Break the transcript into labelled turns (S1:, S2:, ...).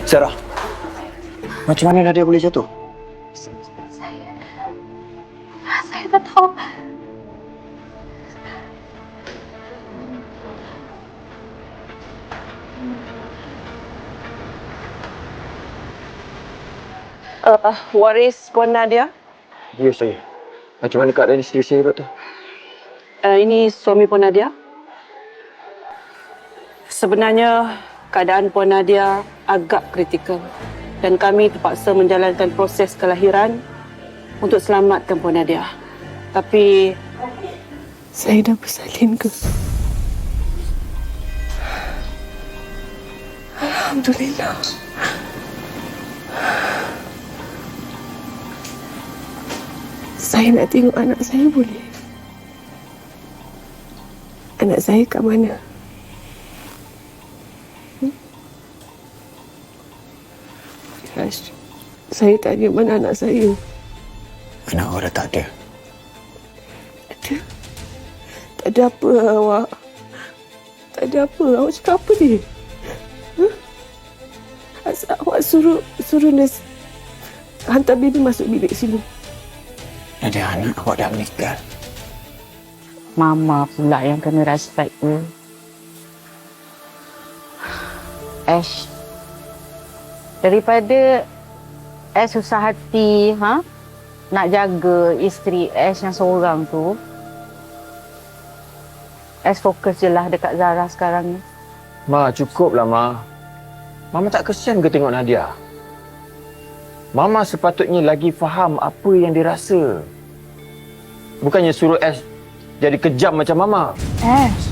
S1: Sarah, macam mana Nadia boleh jatuh?
S2: Saya tak tahu.
S3: Waris Puan Nadia.
S1: Ya, saya. Macam mana keadaan isteri saya, Doktor?
S3: Ini suami Puan Nadia. Sebenarnya keadaan Puan Nadia agak kritikal dan kami terpaksa menjalankan proses kelahiran untuk selamatkan Puan Nadia. Tapi
S2: Saya dah bersalin ke? Alhamdulillah. Saya nak tengok anak saya boleh? Anak saya kat mana? Rash, saya tanya mana anak saya?
S1: Anak awak dah tak ada.
S2: Ada? Tak ada apa awak? Tak ada apa? Awak cakap apa ni? Huh? Asal awak suruh nurse hantar baby masuk bilik sini.
S1: Nadia, anak awak dah meninggal.
S3: Mama pula yang kena respect tu. Ash, daripada Ash susah hati nak jaga isteri Ash yang seorang tu, Ash fokus je lah dekat Zara sekarang ni.
S1: Ma, cukuplah, Ma. Mama tak kesian ke tengok Nadia? Mama sepatutnya lagi faham apa yang dia rasa. Bukannya suruh Ash jadi kejam macam Mama.
S3: Ash,